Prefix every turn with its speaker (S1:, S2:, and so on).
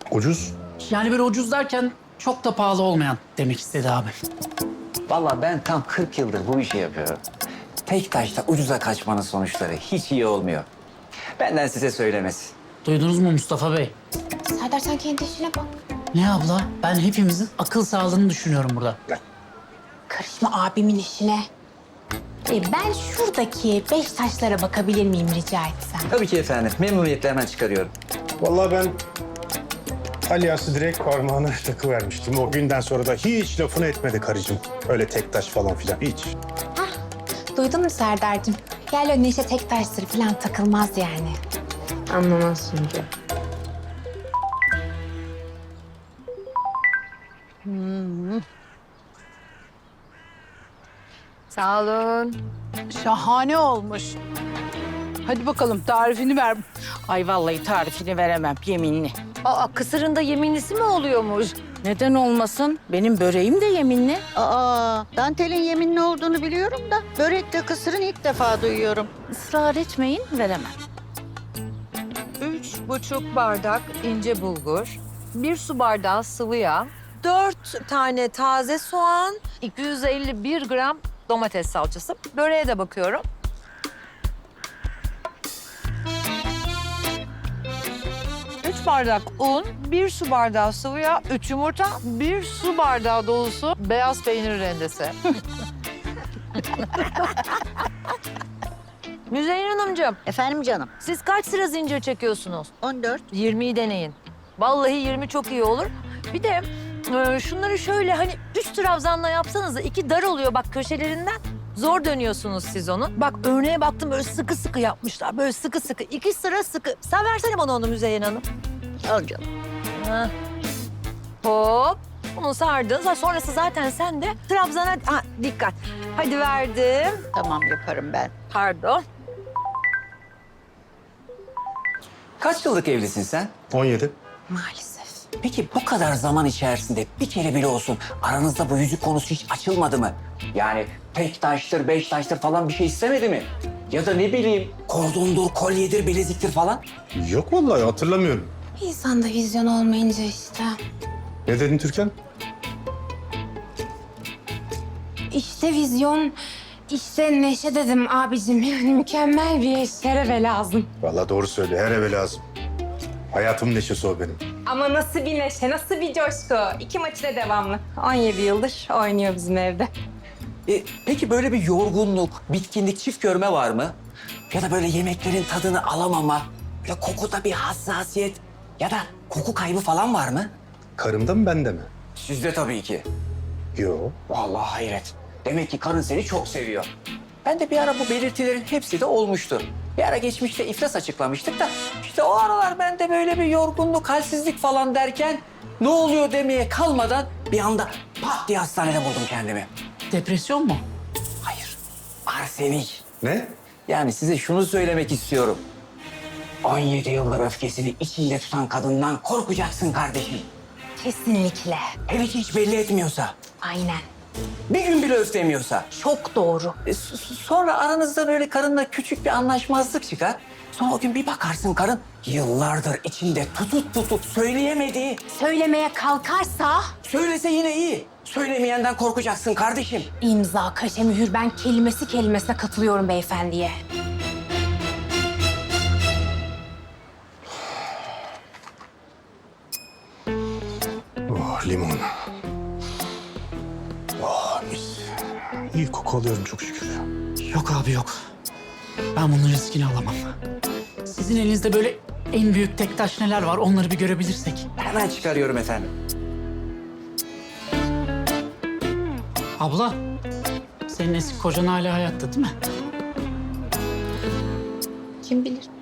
S1: Ucuz.
S2: Yani böyle ucuz derken çok da pahalı olmayan demek istedi abi.
S3: Vallahi ben tam 40 yıldır bu işi yapıyorum. Tek taşta ucuza kaçmanın sonuçları hiç iyi olmuyor. Benden size söylemesi.
S2: Duydunuz mu Mustafa Bey?
S4: Serdar sen kendi işine bak.
S2: Ne abla? Ben hepimizin akıl sağlığını düşünüyorum burada.
S4: Karışma abimin işine. Ben şuradaki 5 taşlara bakabilir miyim rica etsem?
S3: Tabii ki efendim. Memnuniyetle hemen çıkarıyorum.
S1: Vallahi ben Alyas'ı direkt parmağına takıvermiştim. O günden sonra da hiç lafını etmedi karıcığım. Öyle tek taş falan filan hiç.
S4: Duydun mu Serdar'cığım? Gel önüne işte tek taştır falan takılmaz yani.
S5: Anlamaz çünkü. Sağ olun.
S6: Şahane olmuş. Hadi bakalım tarifini ver.
S7: Ay vallahi tarifini veremem yeminli.
S5: Aa, kısırın da yeminlisi mi oluyormuş?
S7: Neden olmasın? Benim böreğim de yeminli.
S8: Aa, dantelin yeminli olduğunu biliyorum da börekle kısırın ilk defa duyuyorum.
S7: Israr etmeyin veremem.
S5: 3,5 bardak ince bulgur, 1 su bardağı sıvı yağ, 4 tane taze soğan, 251 gram domates salçası. Böreğe de bakıyorum. Üç bardak un, 1 su bardağı sıvı yağ, 3 yumurta, 1 su bardağı dolusu beyaz peynir rendesi. Müzeyyen Hanımcığım,
S8: Efendim canım,
S5: siz kaç sıra zincir çekiyorsunuz?
S8: 14.
S5: 20'yi deneyin. Vallahi 20 çok iyi olur. Bir de şunları şöyle hani 3 trabzanla yapsanız da 2 dar oluyor bak köşelerinden. Zor dönüyorsunuz siz onu. Bak örneğe baktım böyle sıkı sıkı yapmışlar. Böyle sıkı sıkı. 2 sıra sıkı. Sen versene bana onu Müzeyyen Hanım.
S8: Al canım.
S5: Heh. Hop. Bunu sardın. Sonrası zaten sen de trabzana... Ha, dikkat. Hadi verdim.
S8: Tamam yaparım ben.
S5: Pardon.
S3: Kaç yıllık evlisin sen?
S1: 17.
S4: Maalesef.
S3: Peki bu kadar zaman içerisinde bir kere bile olsun aranızda bu yüzük konusu hiç açılmadı mı? Yani tek taştır, 5 taştır falan bir şey istemedi mi? Ya da ne bileyim kordondur, kolyedir, bileziktir falan.
S1: Yok vallahi hatırlamıyorum.
S4: İnsanda vizyon olmayınca işte.
S1: Ne dedin Türkan?
S4: İşte vizyon, işte neşe dedim abicim. Yani mükemmel bir eş, her eve lazım.
S1: Vallahi doğru söylüyor. Her eve lazım. Hayatımın neşesi o benim.
S9: Ama nasıl bir neşe, nasıl bir coşku. 2 maçı da devamlı. 17 yıldır oynuyor bizim evde.
S3: Peki böyle bir yorgunluk, bitkinlik, çift görme var mı? Ya da böyle yemeklerin tadını alamama, böyle kokuda bir hassasiyet ya da koku kaybı falan var mı?
S1: Karımda mı bende mi?
S3: Sizde tabii ki.
S1: Yok.
S3: Vallahi hayret. Demek ki karın seni çok seviyor. Ben de bir ara bu belirtilerin hepsi de olmuştu. Bir ara geçmişte iflas açıklamıştık da işte o aralar ben de böyle bir yorgunluk, halsizlik falan derken ne oluyor demeye kalmadan bir anda pat diye hastanede buldum kendimi.
S2: Depresyon mu?
S3: Hayır, arsenik.
S1: Ne?
S3: Yani size şunu söylemek istiyorum. 17 yıldır öfkesini içinde tutan kadından korkacaksın kardeşim.
S4: Kesinlikle.
S3: Hele ki hiç belli etmiyorsa,
S4: Aynen.
S3: bir gün bile öflemiyorsa.
S4: Çok doğru.
S3: Sonra aranızda böyle karınla küçük bir anlaşmazlık çıkar. Sonra o gün bir bakarsın karın yıllardır içinde tutup söyleyemediği.
S4: Söylemeye kalkarsa
S3: Söylese yine iyi. Söylemeyenden korkacaksın kardeşim.
S4: imza, kaşe, mühür, ben kelimesi kelimesine katılıyorum beyefendiye.
S1: Oh limon. Oh mis. İyi koku alıyorum çok şükür.
S2: Yok abi yok. Ben bunun riskini alamam. Sizin elinizde böyle en büyük tek taş neler var onları bir görebilirsek.
S3: Hemen çıkarıyorum efendim.
S2: Abla, senin eski kocan hala hayatta değil mi?
S4: Kim bilir?